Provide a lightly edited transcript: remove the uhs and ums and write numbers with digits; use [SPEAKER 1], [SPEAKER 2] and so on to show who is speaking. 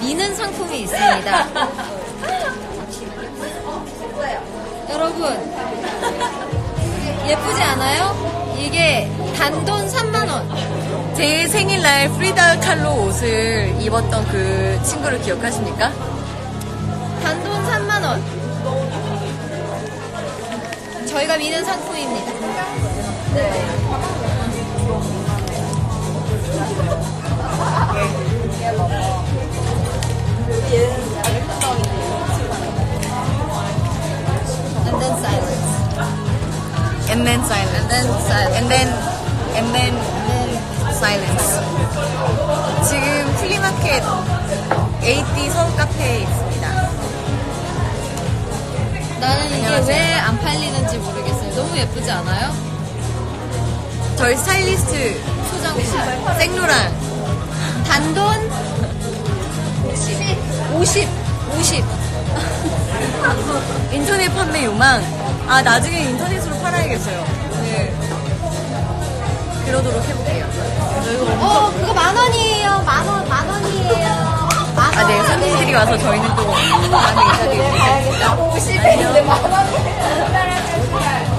[SPEAKER 1] 미는 상품이 있습니다. 여러분, 예쁘지 않아요? 이게 단돈 3만원.
[SPEAKER 2] 제 생일날 프리다 칼로 옷을 입었던 그 친구를 기억하십니까?
[SPEAKER 1] 단돈 3만원. 저희가 미는 상품입니다. And then silence.
[SPEAKER 2] And then silence.
[SPEAKER 1] And then silence.
[SPEAKER 2] And then silence. 지금 플리마켓 AD 서울 카페에 있습니다.
[SPEAKER 1] 나는 이게
[SPEAKER 2] 안녕하세요.
[SPEAKER 1] 왜 안 팔리는지 모르겠어요. 너무 예쁘지 않아요?
[SPEAKER 2] 저희 스타일리스트
[SPEAKER 1] 소장품.
[SPEAKER 2] 생로랑
[SPEAKER 1] 단돈 50.
[SPEAKER 2] 인터넷 판매 요망. 아, 나중에 인터넷으로 팔아야겠어요.
[SPEAKER 1] 네.
[SPEAKER 2] 그러도록 해볼게요.
[SPEAKER 1] 그거 10,000원이에요. 만 원이에요.
[SPEAKER 2] 아, 네, 손님들이 와서 저희는 또 많이 인사드리고 있습니다.
[SPEAKER 1] 50인데 10,000원.